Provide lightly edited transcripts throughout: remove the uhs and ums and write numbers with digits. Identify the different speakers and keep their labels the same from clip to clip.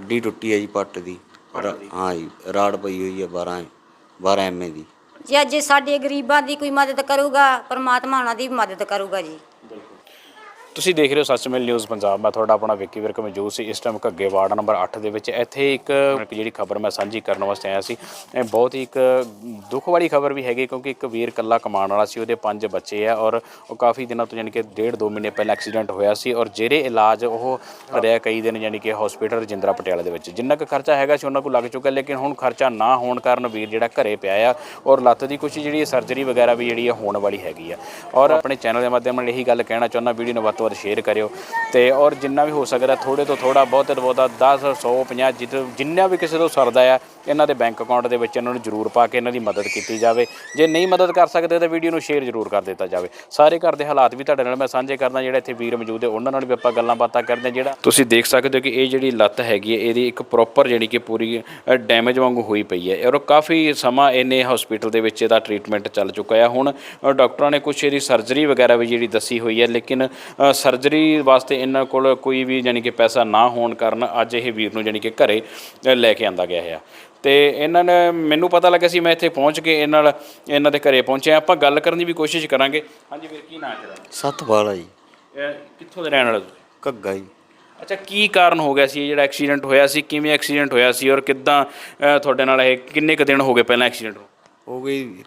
Speaker 1: हड्डी टुटी है जी पट्ट दी। हाँ जी, राड़ पई हुई है 12 एम ਦੀ।
Speaker 2: ਜੀ ਅੱਜ ਸਾਡੇ ਗਰੀਬਾਂ ਦੀ ਕੋਈ ਮਦਦ ਕਰੂਗਾ, ਪਰਮਾਤਮਾ ਉਹਨਾਂ ਦੀ ਵੀ ਮਦਦ ਕਰੂਗਾ ਜੀ।
Speaker 3: ਤੁਸੀਂ ਦੇਖ ਰਹੇ ਹੋ ਸੱਚ ਮੇਲ ਨਿਊਜ਼ ਪੰਜਾਬ। ਮੈਂ ਤੁਹਾਡਾ ਆਪਣਾ ਵਿੱਕੀ ਵਿਰਕ ਮੌਜੂਦ ਸੀ ਇਸ ਟਾਈਮ ਘੱਗੇ ਵਾਰਡ ਨੰਬਰ 8 ਦੇ ਵਿੱਚ। ਇੱਥੇ ਇੱਕ ਜਿਹੜੀ ਖਬਰ ਮੈਂ ਸਾਂਝੀ ਕਰਨ ਵਾਸਤੇ ਆਇਆ ਸੀ, ਇਹ ਬਹੁਤ ਹੀ ਇੱਕ ਦੁੱਖ ਵਾਲੀ ਖਬਰ ਵੀ ਹੈਗੀ, ਕਿਉਂਕਿ ਇੱਕ ਵੀਰ ਇਕੱਲਾ ਕਮਾਉਣ ਵਾਲਾ ਸੀ, ਉਹਦੇ 5 ਬੱਚੇ ਆ ਔਰ ਉਹ ਕਾਫੀ ਦਿਨਾਂ ਤੋਂ ਯਾਨੀ ਕਿ 1.5-2 ਮਹੀਨੇ ਪਹਿਲਾਂ ਐਕਸੀਡੈਂਟ ਹੋਇਆ ਸੀ ਔਰ ਜਿਹੜੇ ਇਲਾਜ ਉਹ ਰਿਹਾ ਕਈ ਦਿਨ ਯਾਨੀ ਕਿ ਹਸਪੀਟਲ ਰਜਿੰਦਰਾ ਪਟਿਆਲਾ ਦੇ ਵਿੱਚ। ਜਿੰਨਾ ਕੁ ਖਰਚਾ ਹੈਗਾ ਸੀ ਉਹਨਾਂ ਕੋਲ ਲੱਗ ਚੁੱਕਾ, ਲੇਕਿਨ ਹੁਣ ਖਰਚਾ ਨਾ ਹੋਣ ਕਾਰਨ ਵੀਰ ਜਿਹੜਾ ਘਰੇ ਪਿਆ ਆ ਔਰ ਲੱਤ ਦੀ ਕੁਛ ਜਿਹੜੀ ਸਰਜਰੀ ਵਗੈਰਾ ਵੀ ਜਿਹੜੀ ਹੋਣ ਵਾਲੀ ਹੈਗੀ ਆ। ਔਰ ਆਪਣੇ ਚੈਨਲ ਦੇ ਮਾਧਿਅਮ ਨਾਲ ਇਹੀ ਗੱਲ ਕਹਿਣਾ ਚਾਹੁੰਦਾ, ਵੀਡੀਓ ਨੂੰ ਵੱਧ ਤੋਂ ਵੱਧ ਸ਼ੇਅਰ ਕਰਿਓ ਤੇ ਔਰ ਜਿੰਨਾ ਵੀ ਹੋ ਸਕਦਾ ਥੋੜ੍ਹੇ ਤੋਂ ਥੋੜ੍ਹਾ ਬਹੁਤ ਤੋਂ ਬਹੁਤਾ 10 100 50 ਜਿੰਨਾ ਵੀ ਕਿਸੇ ਤੋਂ ਸਰਦਾ ਆ ਇਹਨਾਂ ਦੇ ਬੈਂਕ ਅਕਾਊਂਟ ਦੇ ਵਿੱਚ ਇਹਨਾਂ ਨੂੰ ਜ਼ਰੂਰ ਪਾ ਕੇ ਇਹਨਾਂ ਦੀ ਮਦਦ ਕੀਤੀ ਜਾਵੇ। ਜੇ ਨਹੀਂ ਮਦਦ ਕਰ ਸਕਦੇ ਤਾਂ ਵੀਡੀਓ ਨੂੰ ਸ਼ੇਅਰ ਜ਼ਰੂਰ ਕਰ ਦਿੱਤਾ ਜਾਵੇ। ਸਾਰੇ ਘਰ ਦੇ ਹਾਲਾਤ ਵੀ ਤੁਹਾਡੇ ਨਾਲ ਮੈਂ ਸਾਂਝੇ ਕਰਦਾ, ਜਿਹੜਾ ਇੱਥੇ ਵੀਰ ਮੌਜੂਦ ਹੈ ਉਹਨਾਂ ਨਾਲ ਵੀ ਆਪਾਂ ਗੱਲਾਂ ਬਾਤਾਂ ਕਰਦੇ ਹਾਂ। ਜਿਹੜਾ ਤੁਸੀਂ ਦੇਖ ਸਕਦੇ ਹੋ ਕਿ ਇਹ ਜਿਹੜੀ ਲੱਤ ਹੈਗੀ ਹੈ ਇਹਦੀ ਇੱਕ ਪ੍ਰੋਪਰ ਜਿਹੜੀ ਕਿ ਪੂਰੀ ਡੈਮੇਜ ਵਾਂਗੂ ਹੋਈ ਪਈ ਹੈ ਔਰ ਕਾਫੀ ਸਮਾਂ ਇਹਨੇ ਹਸਪੀਟਲ ਦੇ ਵਿੱਚ ਇਹਦਾ ਟ੍ਰੀਟਮੈਂਟ ਚੱਲ ਚੁੱਕਾ ਹੈ। ਹੁਣ ਡਾਕਟਰਾਂ ਨੇ ਕੁਛ ਇਹਦੀ ਸਰਜਰੀ ਵਗੈਰਾ ਵੀ ਜਿਹੜੀ ਦੱਸੀ ਹੋਈ ਹੈ, ਲੇਕਿਨ ਸਰਜਰੀ ਵਾਸਤੇ ਇਹਨਾਂ ਕੋਲ ਕੋਈ ਵੀ ਯਾਨੀ ਕਿ ਪੈਸਾ ਨਾ ਹੋਣ ਕਾਰਨ ਅੱਜ ਇਹ ਵੀਰ ਨੂੰ ਯਾਨੀ ਕਿ ਘਰੇ ਲੈ ਕੇ ਆਂਦਾ ਗਿਆ ਹੈ। ਤੇ ਇਹਨਾਂ ਨੇ ਮੈਨੂੰ ਪਤਾ ਲੱਗਾ ਸੀ, ਮੈਂ ਇੱਥੇ ਪਹੁੰਚ ਕੇ ਇਹਨਾਂ ਦੇ ਘਰੇ ਪਹੁੰਚਿਆ। ਆਪਾਂ ਗੱਲ ਕਰਨ ਦੀ ਵੀ ਕੋਸ਼ਿਸ਼ ਕਰਾਂਗੇ। ਹਾਂਜੀ ਵੀਰ, ਕੀ ਨਾਂ ਹੈ ਤੇਰਾ?
Speaker 1: ਸਤਪਾਲ ਜੀ।
Speaker 3: ਕਿੱਥੋਂ ਦੇ ਰਹਿਣ ਵਾਲੇ ਤੁਸੀਂ?
Speaker 1: ਘੱਗਾ ਜੀ।
Speaker 3: ਅੱਛਾ, ਕੀ ਕਾਰਨ ਹੋ ਗਿਆ ਸੀ ਜਿਹੜਾ ਐਕਸੀਡੈਂਟ ਹੋਇਆ ਸੀ? ਕਿਵੇਂ ਐਕਸੀਡੈਂਟ ਹੋਇਆ ਸੀ ਔਰ ਕਿੱਦਾਂ ਤੁਹਾਡੇ ਨਾਲ ਇਹ ਕਿੰਨੇ ਕੁ ਦਿਨ ਹੋ ਗਏ ਪਹਿਲਾਂ ਐਕਸੀਡੈਂਟ
Speaker 1: ਹੋ ਗਈ?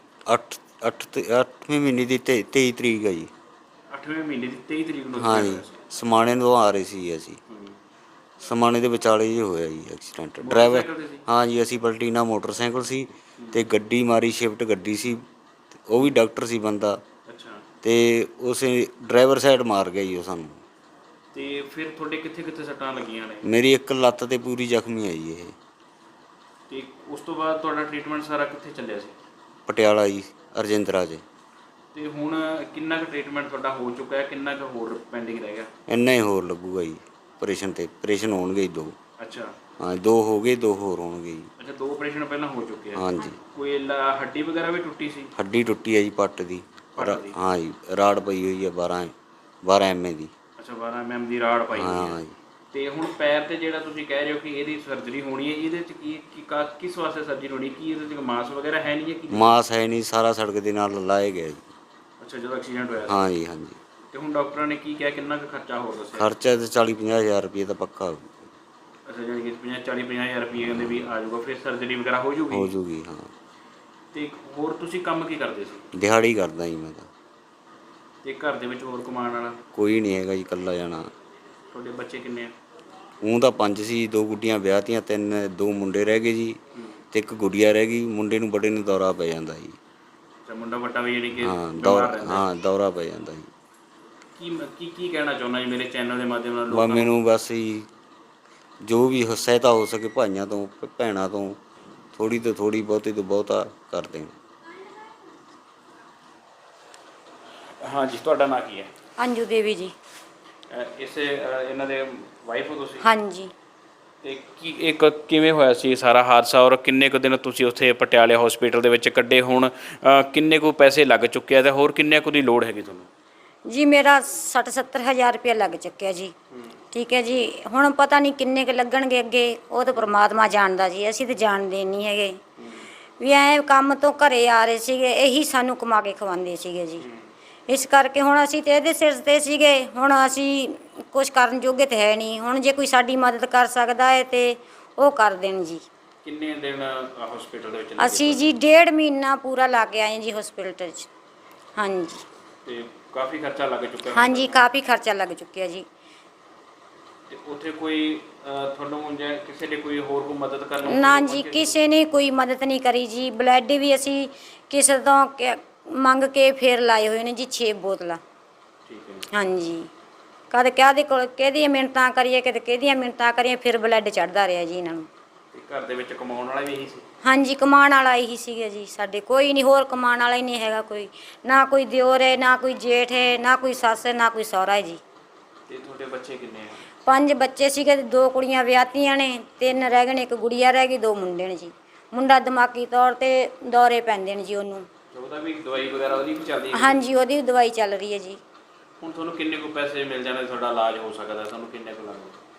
Speaker 1: 8ਵੇਂ ਮਹੀਨੇ ਦੀ 23 ਤਰੀਕ ਹੈ ਜੀ।
Speaker 3: 8ਵੇਂ ਮਹੀਨੇ ਦੀ 23 ਤਰੀਕ ਨੂੰ?
Speaker 1: ਹਾਂ ਜੀ, ਸਮਾਣੇ ਤੋਂ ਆ ਰਹੇ ਸੀ ਅਸੀਂ। ਸਮਾਣੇ ਦੇ ਵਿਚਾਲੇ ਹੀ ਹੋਇਆ ਜੀ ਐਕਸੀਡੈਂਟ। ਡਰਾਈਵਰ, ਹਾਂ ਜੀ, ਅਸੀਂ ਪਲਟੀਨਾ ਮੋਟਰਸਾਈਕਲ ਸੀ ਅਤੇ ਗੱਡੀ ਮਾਰੀ, ਸ਼ਿਫਟ ਗੱਡੀ ਸੀ, ਉਹ ਵੀ ਡਾਕਟਰ ਸੀ ਬੰਦਾ।
Speaker 3: ਅੱਛਾ। ਅਤੇ
Speaker 1: ਉਸੇ ਡਰਾਈਵਰ ਸਾਈਡ ਮਾਰ ਗਿਆ ਜੀ ਉਹ ਸਾਨੂੰ।
Speaker 3: ਅਤੇ ਫਿਰ ਤੁਹਾਡੇ ਕਿੱਥੇ ਕਿੱਥੇ ਸੱਟਾਂ ਲੱਗੀਆਂ ਨੇ?
Speaker 1: ਮੇਰੀ ਇੱਕ ਲੱਤ 'ਤੇ ਪੂਰੀ ਜ਼ਖਮੀ ਹੈ ਜੀ ਇਹ।
Speaker 3: ਅਤੇ ਉਸ ਤੋਂ ਬਾਅਦ ਤੁਹਾਡਾ ਟਰੀਟਮੈਂਟ ਸਾਰਾ ਕਿੱਥੇ ਚੱਲਿਆ ਸੀ?
Speaker 1: ਪਟਿਆਲਾ ਜੀ, ਰਜਿੰਦਰਾ 'ਚ।
Speaker 3: ਅਤੇ ਹੁਣ ਕਿੰਨਾ ਕੁ ਟਰੀਟਮੈਂਟ ਤੁਹਾਡਾ ਹੋ ਚੁੱਕਾ ਹੈ? ਕਿੰਨਾ ਕੁ ਹੋਰ ਪੈਂਡਿੰਗ ਰਹਿ ਗਿਆ?
Speaker 1: ਇੰਨਾ ਹੀ ਹੋਰ ਲੱਗੂਗਾ ਜੀ। ਆਪਰੇਸ਼ਨ ਹੋਣਗੇ ਜੀ 2।
Speaker 3: ਅੱਛਾ।
Speaker 1: ਹਾਂ, 2 ਹੋ ਗਏ, 2 ਹੋਰ ਹੋਣਗੇ ਜੀ।
Speaker 3: ਅੱਛਾ, 2 ਆਪਰੇਸ਼ਨ ਪਹਿਲਾਂ ਹੋ ਚੁੱਕੇ ਆ?
Speaker 1: ਹਾਂਜੀ।
Speaker 3: ਕੋਈ ਹੱਡੀ ਵਗੈਰਾ ਵੀ ਟੁੱਟੀ ਸੀ?
Speaker 1: ਹੱਡੀ ਟੁੱਟੀ ਹੈ ਜੀ ਪੱਟ ਦੀ। ਹਾਂ ਜੀ, ਰਾੜ ਪਈ ਹੋਈ ਹੈ 12 ਐਮ ਦੀ।
Speaker 3: ਅੱਛਾ, 12 mm ਦੀ ਰਾੜ ਪਾਈ ਹੋਈ ਹੈ।
Speaker 1: ਹਾਂ ਜੀ।
Speaker 3: ਅਤੇ ਹੁਣ ਪੈਰ 'ਤੇ ਜਿਹੜਾ ਤੁਸੀਂ ਕਹਿ ਰਹੇ ਹੋ ਕਿ ਇਹਦੀ ਸਰਜਰੀ ਹੋਣੀ ਹੈ, ਇਹਦੇ 'ਚ ਕਿਸ ਵਾਸਤੇ ਸਰਜਰੀ ਹੋਣੀ? ਕੀ ਇਹਦੇ 'ਚ ਮਾਸ ਵਗੈਰਾ ਹੈ ਨਹੀਂ?
Speaker 1: ਮਾਸ ਹੈ ਨਹੀਂ, ਸਾਰਾ ਸੜਕ ਦੇ ਨਾਲ ਲਾਏ ਗਿਆ ਜੀ।
Speaker 3: ਅੱਛਾ, ਜਦੋਂ ਐਕਸੀਡੈਂਟ ਹੋਇਆ?
Speaker 1: ਹਾਂ ਜੀ, ਹਾਂਜੀ।
Speaker 3: ਅਤੇ ਹੁਣ ਡਾਕਟਰਾਂ ਨੇ ਕੀ ਕਿਹਾ, ਕਿੰਨਾ ਕੁ ਖਰਚਾ ਹੋਰ ਦੱਸਿਆ?
Speaker 1: ਖਰਚਾ ਤਾਂ 40-50 ਹਜ਼ਾਰ ਰੁਪਏ ਤਾਂ ਪੱਕਾ ਹੋਊ।
Speaker 3: ਅੱਛਾ, ਜਾਣੀ ਕਿ 40-50 ਹਜ਼ਾਰ ਰੁਪਏ ਕਹਿੰਦੇ ਵੀ ਆ ਜਾਊਗਾ, ਫਿਰ ਸਰਜਰੀ ਵਗੈਰਾ ਹੋ ਜੂਗੀ?
Speaker 1: ਹੋ ਜੂਗੀ, ਹਾਂ।
Speaker 3: ਅਤੇ ਹੋਰ ਤੁਸੀਂ ਕੰਮ ਕੀ ਕਰਦੇ ਸੀ?
Speaker 1: ਦਿਹਾੜੀ ਕਰਦਾ ਜੀ ਮੈਂ ਤਾਂ।
Speaker 3: ਅਤੇ ਘਰ ਦੇ ਵਿੱਚ ਹੋਰ ਕਮਾਉਣ ਵਾਲਾ?
Speaker 1: ਕੋਈ ਨਹੀਂ ਹੈਗਾ ਜੀ, ਇਕੱਲਾ ਜਾਣਾ।
Speaker 3: ਤੁਹਾਡੇ ਬੱਚੇ ਕਿੰਨੇ ਆ?
Speaker 1: ਊਂ ਤਾਂ 5 ਸੀ, 2 ਗੁੱਡੀਆਂ ਵਿਆਹਤੀਆਂ, 2 ਮੁੰਡੇ ਰਹਿ ਗਏ ਜੀ ਅਤੇ ਇੱਕ ਗੁੱਡੀਆ ਰਹਿ ਗਈ। ਮੁੰਡੇ ਨੂੰ ਬੜੇ ਨੂੰ ਦੌਰਾ ਪੈ ਜਾਂਦਾ ਜੀ।
Speaker 3: ਅੱਛਾ, ਮੁੰਡਾ ਵੱਡਾ ਵੀ ਯਾਨੀ ਕਿ
Speaker 1: ਹਾਂ, ਦੌਰਾ ਪੈ ਜਾਂਦਾ ਜੀ।
Speaker 3: ਕੀ ਕਹਿਣਾ ਚਾਹੁੰਦਾ ਜੀ ਮੇਰੇ ਚੈਨਲ ਦੇ ਮਾਧਿਅਮ ਨਾਲ ਲੋਕਾਂ ਨੂੰ?
Speaker 1: ਮੈਨੂੰ ਬਸ ਜੀ ਜੋ ਵੀ ਸਹਾਇਤਾ ਹੋ ਸਕੇ ਭਾਈਆਂ ਤੋਂ, ਭੈਣਾਂ ਤੋਂ, ਥੋੜ੍ਹੀ ਤੋਂ ਥੋੜ੍ਹੀ, ਬਹੁਤੀ ਤੋਂ ਬਹੁਤਾ ਕਰ ਦੇਣ।
Speaker 3: ਹਾਂਜੀ, ਤੁਹਾਡਾ ਨਾਂ ਕੀ ਹੈ?
Speaker 2: ਅੰਜੂ ਦੇਵੀ ਜੀ।
Speaker 3: ਇਹਨਾਂ ਦੇ ਵਾਈਫ ਹੋ ਤੁਸੀਂ?
Speaker 2: ਹਾਂਜੀ।
Speaker 3: ਅਤੇ ਕਿਵੇਂ ਹੋਇਆ ਸੀ ਸਾਰਾ ਹਾਦਸਾ ਔਰ ਕਿੰਨੇ ਕੁ ਦਿਨ ਤੁਸੀਂ ਉੱਥੇ ਪਟਿਆਲੇ ਹਸਪੀਟਲ ਦੇ ਵਿੱਚ ਕੱਢੇ? ਹੁਣ ਕਿੰਨੇ ਕੁ ਪੈਸੇ ਲੱਗ ਚੁੱਕੇ ਆ ਅਤੇ ਹੋਰ ਕਿੰਨੇ ਕੁ ਦੀ ਲੋੜ ਹੈਗੀ ਤੁਹਾਨੂੰ?
Speaker 2: ਜੀ ਮੇਰਾ 60-70 ਹਜ਼ਾਰ ਰੁਪਇਆ ਲੱਗ ਚੁੱਕਿਆ ਜੀ। ਠੀਕ ਹੈ ਜੀ। ਹੁਣ ਪਤਾ ਨਹੀਂ ਕਿੰਨੇ ਕੁ ਲੱਗਣਗੇ ਅੱਗੇ, ਉਹ ਤਾਂ ਪਰਮਾਤਮਾ ਜਾਣਦਾ ਜੀ, ਅਸੀਂ ਤਾਂ ਜਾਣਦੇ ਨਹੀਂ ਹੈਗੇ। ਵੀ ਐਂ ਕੰਮ ਤੋਂ ਘਰੇ ਆ ਰਹੇ ਸੀਗੇ, ਇਹੀ ਸਾਨੂੰ ਕਮਾ ਕੇ ਖਵਾਉਂਦੇ ਸੀਗੇ ਜੀ। ਇਸ ਕਰਕੇ ਹੁਣ ਅਸੀਂ ਤਾਂ ਇਹਦੇ ਸਿਰ 'ਤੇ ਸੀਗੇ, ਹੁਣ ਅਸੀਂ ਕੁਛ ਕਰਨ ਜੋਗੇ ਤਾਂ ਹੈ ਨਹੀਂ। ਹੁਣ ਜੇ ਕੋਈ ਸਾਡੀ ਮਦਦ ਕਰ ਸਕਦਾ ਹੈ ਤਾਂ ਉਹ ਕਰ ਦੇਣ ਜੀ।
Speaker 3: ਕਿੰਨੇ ਦਿਨ ਹਸਪੀਟਲ ਦੇ ਵਿੱਚ?
Speaker 2: ਅਸੀਂ ਜੀ 1.5 ਮਹੀਨਾ ਪੂਰਾ ਲਾ ਕੇ ਆਏ ਜੀ ਹਸਪੀਟਲ 'ਚ। ਹਾਂਜੀ।
Speaker 3: ਅਤੇ ਕਾਫੀ ਖਰਚਾ ਲੱਗ ਚੁੱਕਾ?
Speaker 2: ਹਾਂਜੀ, ਕਾਫੀ ਖਰਚਾ ਲੱਗ ਚੁੱਕਿਆ ਜੀ।
Speaker 3: ਅਤੇ ਉੱਥੇ ਕੋਈ ਤੁਹਾਨੂੰ ਜਾਂ ਕਿਸੇ ਨੇ ਕੋਈ ਹੋਰ ਕੋਈ ਮਦਦ ਕਰਨ?
Speaker 2: ਨਾ ਜੀ, ਕਿਸੇ ਨੇ ਕੋਈ ਮਦਦ ਨਹੀਂ ਕਰੀ ਜੀ। ਬਲੱਡ ਵੀ ਅਸੀਂ ਕਿਸੇ ਤੋਂ ਮੰਗ ਕੇ ਫਿਰ ਲਾਏ ਹੋਏ ਨੇ ਜੀ 6 ਬੋਤਲਾਂ।
Speaker 3: ਠੀਕ ਹੈ।
Speaker 2: ਹਾਂਜੀ। ਕਦੇ ਕਿਹਦੀਆਂ ਮਿੰਨਤਾਂ ਕਰੀਏ, ਕਦੇ ਕਿਹਦੀਆਂ ਮਿੰਨਤਾਂ ਕਰੀਏ, ਫਿਰ ਬਲੱਡ ਚੜ੍ਹਦਾ ਰਿਹਾ ਜੀ ਇਹਨਾਂ ਨੂੰ।
Speaker 3: ਅਤੇ ਘਰ ਦੇ ਵਿੱਚ ਕਮਾਉਣ ਵਾਲਾ ਵੀ ਇਹੀ ਸੀ?
Speaker 2: ਹਾਂਜੀ, ਕਮਾਉਣ ਵਾਲਾ ਇਹੀ ਸੀਗਾ ਜੀ ਸਾਡੇ, ਕੋਈ ਨਹੀਂ ਹੋਰ ਕਮਾਉਣ ਵਾਲਾ ਹੀ ਨਹੀਂ ਹੈਗਾ ਕੋਈ। ਨਾ ਕੋਈ ਦਿਓਰ ਹੈ, ਨਾ ਕੋਈ ਜੇਠ ਹੈ, ਨਾ ਕੋਈ ਸੱਸ ਹੈ, ਨਾ ਕੋਈ ਸਹੁਰਾ ਹੈ ਜੀ।
Speaker 3: ਅਤੇ ਤੁਹਾਡੇ ਬੱਚੇ ਕਿੰਨੇ ਆ?
Speaker 2: 5 ਬੱਚੇ ਸੀਗੇ, 2 ਕੁੜੀਆਂ ਵਿਆਹਤੀਆਂ ਨੇ, 3 ਰਹਿ ਗਏ ਨੇ, 1 ਗੁੜੀਆ ਰਹਿ ਗਈ, 2 ਮੁੰਡੇ ਨੇ ਜੀ। ਮੁੰਡਾ ਦਿਮਾਗੀ ਤੌਰ 'ਤੇ ਦੌਰੇ ਪੈਂਦੇ ਨੇ ਜੀ ਉਹਨੂੰ।
Speaker 3: ਉਹਦਾ ਵੀ ਦਵਾਈ ਵਗੈਰਾ ਉਹਦੀ ਵੀ ਚੱਲਦੀ ਹੈ?
Speaker 2: ਹਾਂਜੀ, ਉਹਦੀ ਵੀ ਦਵਾਈ ਚੱਲ ਰਹੀ ਹੈ ਜੀ।
Speaker 3: ਹੁਣ ਤੁਹਾਨੂੰ ਕਿੰਨੇ ਕੁ ਪੈਸੇ ਮਿਲ ਜਾਣੇ, ਤੁਹਾਡਾ ਇਲਾਜ ਹੋ ਸਕਦਾ? ਤੁਹਾਨੂੰ ਕਿੰਨੇ ਕੁ ਲੱਗਦਾ?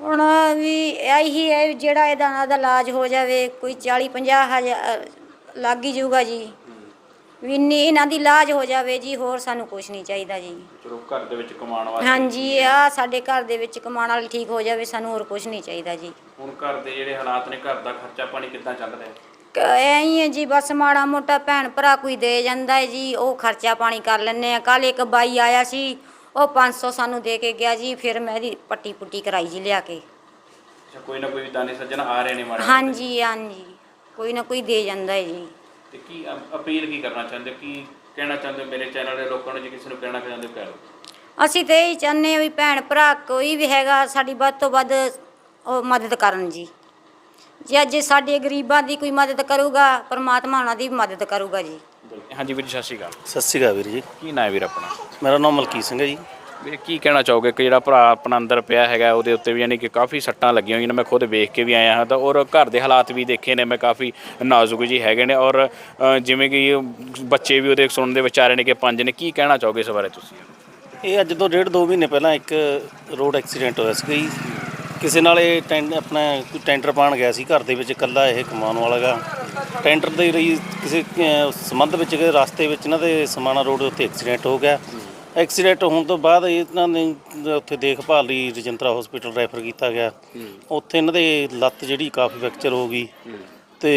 Speaker 2: ਹੁਣ ਵੀ ਇਹੀ ਹੈ ਵੀ ਜਿਹੜਾ ਇਹਦਾ ਇਲਾਜ ਹੋ ਜਾਵੇ, ਕੋਈ 40-50 ਹਜ਼ਾਰ ਲੱਗ ਹੀ ਜਾਊਗਾ ਜੀ, ਵੀ ਇਹਨਾਂ ਦੀ ਇਲਾਜ ਹੋ ਜਾਵੇ ਜੀ, ਹੋਰ ਸਾਨੂੰ ਕੁਝ ਨਹੀਂ ਚਾਹੀਦਾ ਜੀ।
Speaker 3: ਚਲੋ ਘਰ ਦੇ ਵਿੱਚ ਕਮਾਉਣ ਵਾਸਤੇ।
Speaker 2: ਹਾਂਜੀ, ਆ ਸਾਡੇ ਘਰ ਦੇ ਵਿੱਚ ਕਮਾਉਣ ਵਾਲੀ ਠੀਕ ਹੋ ਜਾਵੇ, ਸਾਨੂੰ ਹੋਰ ਕੁਝ ਨਹੀਂ ਚਾਹੀਦਾ ਜੀ।
Speaker 3: ਹੁਣ ਘਰ ਦੇ ਜਿਹੜੇ ਹਾਲਾਤ ਨੇ, ਘਰ ਦਾ ਖਰਚਾ ਪਾਣੀ ਕਿੱਦਾਂ ਚੱਲ ਰਿਹਾ?
Speaker 2: ਐਂ ਹੀ ਹੈ ਜੀ, ਬਸ ਮਾੜਾ ਮੋਟਾ ਭੈਣ ਭਰਾ ਕੋਈ ਦੇ ਜਾਂਦਾ ਹੈ ਜੀ, ਉਹ ਖਰਚਾ ਪਾਣੀ ਕਰ ਲੈਂਦੇ ਆ। ਕੱਲ ਇੱਕ ਬਾਈ ਆਇਆ ਸੀ, ਉਹ 500 ਸਾਨੂੰ ਦੇ ਕੇ ਗਿਆ ਜੀ, ਫਿਰ ਮੈਂ ਇਹਦੀ ਪੱਟੀ ਪੁੱਟੀ ਕਰਾਈ ਜੀ ਲਿਆ ਕੇ।
Speaker 3: ਅੱਛਾ, ਕੋਈ ਨਾ ਕੋਈ ਦਾਨੀ ਸੱਜਣ ਆ ਰਹੇ ਨੇ ਮਾੜੇ?
Speaker 2: ਹਾਂਜੀ ਹਾਂਜੀ, ਕੋਈ ਨਾ ਕੋਈ ਦੇ ਜਾਂਦਾ ਹੈ ਜੀ।
Speaker 3: ਤੇ ਕੀ ਅਪੀਲ ਕੀ ਕਰਨਾ ਚਾਹੁੰਦੇ, ਕੀ ਕਹਿਣਾ ਚਾਹੁੰਦੇ ਮੇਰੇ ਚੈਨਲ ਦੇ ਲੋਕਾਂ ਨੂੰ? ਜੇ ਕਿਸੇ ਨੂੰ ਕਹਿਣਾ ਚਾਹੁੰਦੇ ਹੋ ਕਹਿ ਲਓ।
Speaker 2: ਅਸੀਂ ਤਾਂ ਇਹੀ ਚਾਹੁੰਦੇ ਹਾਂ ਵੀ ਭੈਣ ਭਰਾ ਕੋਈ ਵੀ ਹੈਗਾ ਸਾਡੀ ਵੱਧ ਤੋਂ ਵੱਧ ਉਹ ਮਦਦ ਕਰਨ ਜੀ। ਜੇ ਅੱਜ ਸਾਡੇ ਗਰੀਬਾਂ ਦੀ ਕੋਈ ਮਦਦ ਕਰੂਗਾ, ਪਰਮਾਤਮਾ ਉਹਨਾਂ ਦੀ ਵੀ ਮਦਦ ਕਰੂਗਾ ਜੀ।
Speaker 3: ਹਾਂਜੀ ਵੀਰ ਜੀ, ਸਤਿ ਸ਼੍ਰੀ ਅਕਾਲ।
Speaker 4: ਸਤਿ ਸ਼੍ਰੀ ਅਕਾਲ ਵੀਰ ਜੀ।
Speaker 3: ਕੀ ਨਾਂ ਹੈ ਵੀਰ ਆਪਣਾ?
Speaker 4: ਮੇਰਾ ਨਾਮ ਮਲਕੀਤ ਸਿੰਘ ਹੈ ਜੀ।
Speaker 3: ਵੀਰ ਕੀ ਕਹਿਣਾ ਚਾਹੋਗੇ ਕਿ ਜਿਹੜਾ ਭਰਾ ਆਪਣਾ ਅੰਦਰ ਪਿਆ ਹੈਗਾ, ਉਹਦੇ ਉੱਤੇ ਵੀ ਯਾਨੀ ਕਿ ਕਾਫੀ ਸੱਟਾਂ ਲੱਗੀਆਂ ਹੋਈਆਂ ਨੇ, ਮੈਂ ਖੁਦ ਵੇਖ ਕੇ ਵੀ ਆਇਆ ਹਾਂ ਤਾਂ, ਔਰ ਘਰ ਦੇ ਹਾਲਾਤ ਵੀ ਦੇਖੇ ਨੇ ਮੈਂ, ਕਾਫੀ ਨਾਜ਼ੁਕ ਜੀ ਹੈਗੇ ਨੇ, ਔਰ ਜਿਵੇਂ ਕਿ ਬੱਚੇ ਵੀ ਉਹਦੇ ਸੁਣਨ ਦੇ ਵਿੱਚ ਆ ਰਹੇ ਨੇ ਕਿ 5 ਨੇ। ਕੀ ਕਹਿਣਾ ਚਾਹੋਗੇ ਇਸ ਬਾਰੇ ਤੁਸੀਂ?
Speaker 4: ਇਹ ਅੱਜ ਤੋਂ 1.5-2 ਮਹੀਨੇ ਪਹਿਲਾਂ ਇੱਕ ਰੋਡ ਐਕਸੀਡੈਂਟ ਹੋਇਆ ਸੀ ਜੀ। ਕਿਸੇ ਨਾਲ ਇਹ ਆਪਣਾ ਕੋਈ ਟੈਂਡਰ ਪਾਉਣ ਗਿਆ ਸੀ, ਘਰ ਦੇ ਵਿੱਚ ਇਕੱਲਾ ਇਹ ਕਮਾਉਣ ਵਾਲਾ ਗਾ। ਟੈਂਡਰ ਦੇ ਲਈ ਕਿਸੇ ਸੰਬੰਧ ਵਿੱਚ ਰਸਤੇ ਵਿੱਚ ਇਹਨਾਂ ਦੇ ਸਮਾਣਾ ਰੋਡ ਉੱਤੇ ਐਕਸੀਡੈਂਟ ਹੋ ਗਿਆ। ਐਕਸੀਡੈਂਟ ਹੋਣ ਤੋਂ ਬਾਅਦ ਇਹਨਾਂ ਨੇ ਉੱਥੇ ਦੇਖਭਾਲ ਲਈ ਰਜਿੰਦਰਾ ਹਸਪੀਟਲ ਰੈਫਰ ਕੀਤਾ ਗਿਆ। ਉੱਥੇ ਇਹਨਾਂ ਦੇ ਲੱਤ ਜਿਹੜੀ ਕਾਫੀ ਫ੍ਰੈਕਚਰ ਹੋ ਗਈ ਤੇ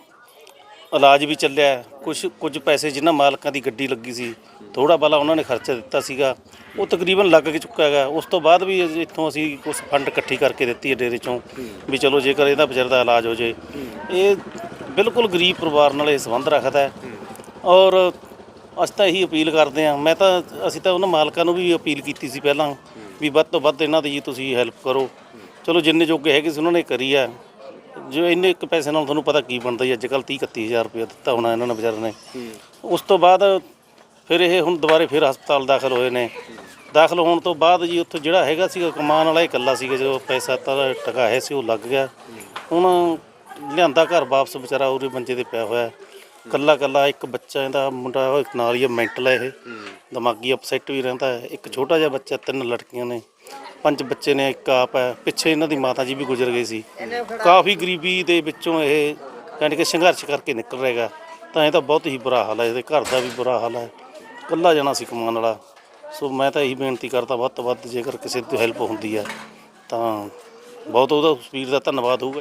Speaker 4: ਇਲਾਜ ਵੀ ਚੱਲਿਆ। ਕੁਝ ਪੈਸੇ ਜਿਨ੍ਹਾਂ ਮਾਲਕਾਂ ਦੀ ਗੱਡੀ ਲੱਗੀ ਸੀ, ਥੋੜ੍ਹਾ ਬਾਲਾ ਉਹਨਾਂ ਨੇ ਖਰਚਾ ਦਿੱਤਾ ਸੀਗਾ, ਉਹ ਤਕਰੀਬਨ ਲੱਗ ਕੇ ਚੁੱਕਾ ਹੈਗਾ। ਉਸ ਤੋਂ ਬਾਅਦ ਵੀ ਇੱਥੋਂ ਅਸੀਂ ਕੁਝ ਫੰਡ ਇਕੱਠੀ ਕਰਕੇ ਦਿੱਤੀ ਹੈ ਡੇਰੇ 'ਚੋਂ, ਵੀ ਚਲੋ ਜੇਕਰ ਇਹਦਾ ਵਿਚਾਰੇ ਦਾ ਇਲਾਜ ਹੋ ਜੇ। ਇਹ ਬਿਲਕੁਲ ਗਰੀਬ ਪਰਿਵਾਰ ਨਾਲ ਇਹ ਸੰਬੰਧ ਰੱਖਦਾ ਔਰ ਅਸੀਂ ਤਾਂ ਇਹੀ ਅਪੀਲ ਕਰਦੇ ਹਾਂ। ਅਸੀਂ ਤਾਂ ਉਹਨਾਂ ਮਾਲਕਾਂ ਨੂੰ ਵੀ ਅਪੀਲ ਕੀਤੀ ਸੀ ਪਹਿਲਾਂ ਵੀ ਵੱਧ ਤੋਂ ਵੱਧ ਇਹਨਾਂ ਦੀ ਜੀ ਤੁਸੀਂ ਹੈਲਪ ਕਰੋ। ਚਲੋ ਜਿੰਨੇ ਜੋਗੇ ਹੈਗੇ ਸੀ ਉਹਨਾਂ ਨੇ ਕਰੀ ਆ। ਜੋ ਇੰਨੇ ਇੱਕ ਪੈਸੇ ਨਾਲ ਤੁਹਾਨੂੰ ਪਤਾ ਕੀ ਬਣਦਾ ਜੀ, ਅੱਜ ਕੱਲ੍ਹ 30-31 ਹਜ਼ਾਰ ਰੁਪਇਆ ਦਿੱਤਾ ਹੋਣਾ ਇਹਨਾਂ ਨੇ ਵਿਚਾਰੇ ਨੇ। ਉਸ ਤੋਂ ਬਾਅਦ ਫਿਰ ਇਹ ਹੁਣ ਦੁਬਾਰੇ ਫਿਰ ਹਸਪਤਾਲ ਦਾਖਲ ਹੋਏ ਨੇ। ਦਾਖਲ ਹੋਣ ਤੋਂ ਬਾਅਦ ਜੀ ਉੱਥੇ ਜਿਹੜਾ ਹੈਗਾ ਸੀਗਾ ਕਮਾਉਣ ਵਾਲਾ ਇਕੱਲਾ ਸੀਗਾ, ਜੋ ਪੈਸਾ ਤਾਂ ਟਕਾਇਆ ਸੀ ਉਹ ਲੱਗ ਗਿਆ। ਹੁਣ ਲਿਆਂਦਾ ਘਰ ਵਾਪਸ, ਵਿਚਾਰਾ ਉਹਦੇ ਮੰਜੇ 'ਤੇ ਪਿਆ ਹੋਇਆ ਇਕੱਲਾ। ਇੱਕ ਬੱਚਾ ਇਹਦਾ ਮੁੰਡਾ ਨਾਲ ਹੀ ਮੈਂਟਲ ਹੈ, ਇਹ ਦਿਮਾਗੀ ਅਪਸੈਟ ਵੀ ਰਹਿੰਦਾ ਹੈ। ਇੱਕ ਛੋਟਾ ਜਿਹਾ ਬੱਚਾ, 3 ਲੜਕੀਆਂ ਨੇ, 5 ਬੱਚੇ ਨੇ, ਇੱਕ ਆਪ ਹੈ। ਪਿੱਛੇ ਇਹਨਾਂ ਦੀ ਮਾਤਾ ਜੀ ਵੀ ਗੁਜ਼ਰ ਗਏ ਸੀ। ਕਾਫੀ ਗਰੀਬੀ ਦੇ ਵਿੱਚੋਂ ਇਹ ਯਾਨੀ ਕਿ ਸੰਘਰਸ਼ ਕਰਕੇ ਨਿਕਲ ਰਹੇਗਾ। ਤਾਂ ਇਹ ਤਾਂ ਬਹੁਤ ਹੀ ਬੁਰਾ ਹਾਲ ਹੈ, ਇਹਦੇ ਘਰ ਦਾ ਵੀ ਬੁਰਾ ਹਾਲ ਹੈ। ਇਕੱਲਾ ਜਣਾ ਸੀ ਕਮਾਉਣ ਵਾਲਾ। ਸੋ ਮੈਂ ਤਾਂ ਇਹੀ ਬੇਨਤੀ ਕਰਦਾ, ਵੱਧ ਤੋਂ ਵੱਧ ਜੇਕਰ ਕਿਸੇ ਦੀ ਹੈਲਪ ਹੁੰਦੀ ਹੈ ਤਾਂ ਬਹੁਤ ਉਹਦਾ ਵੀਰ ਦਾ ਧੰਨਵਾਦ ਹੋਊਗਾ।